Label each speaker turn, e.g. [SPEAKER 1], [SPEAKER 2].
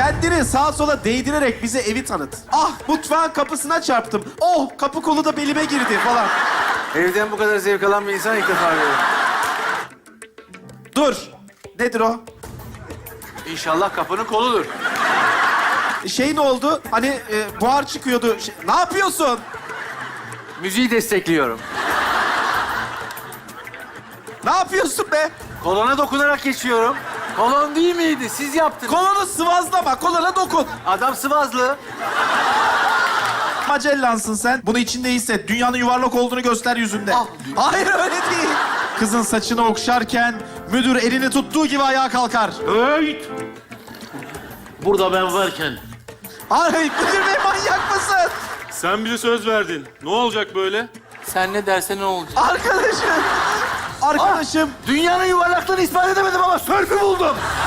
[SPEAKER 1] Kendini sağa sola değdirerek bize evi tanıt. Ah, mutfağın kapısına çarptım. Oh, kapı kolu da belime girdi falan.
[SPEAKER 2] Evden bu kadar zevk alan bir insan ilk defa görüyorum.
[SPEAKER 1] Dur. Nedir o?
[SPEAKER 2] İnşallah kapının koludur.
[SPEAKER 1] Şey ne oldu? Hani buhar çıkıyordu. Ne yapıyorsun?
[SPEAKER 2] Müziği destekliyorum.
[SPEAKER 1] Ne yapıyorsun be?
[SPEAKER 2] Kolona dokunarak geçiyorum. Kolon değil miydi? Siz yaptınız.
[SPEAKER 1] Kolonu sıvazlama, kolona dokun.
[SPEAKER 2] Adam Sivaslı.
[SPEAKER 1] Magellansın sen. Bunu içinde hisset. Dünyanın yuvarlak olduğunu göster yüzünde.
[SPEAKER 2] Ah.
[SPEAKER 1] Hayır, öyle değil. Kızın saçını okşarken müdür elini tuttuğu gibi ayağa kalkar.
[SPEAKER 3] Hey! Burada ben varken
[SPEAKER 1] Hayır, müdür bey manyak mısın?
[SPEAKER 3] sen bize söz verdin. Ne olacak böyle?
[SPEAKER 2] Sen ne dersen ne olacak?
[SPEAKER 1] Arkadaşım. Arkadaşım.
[SPEAKER 2] Dünyanın yuvarlaklığını ispat edemedim ama sörfü buldum.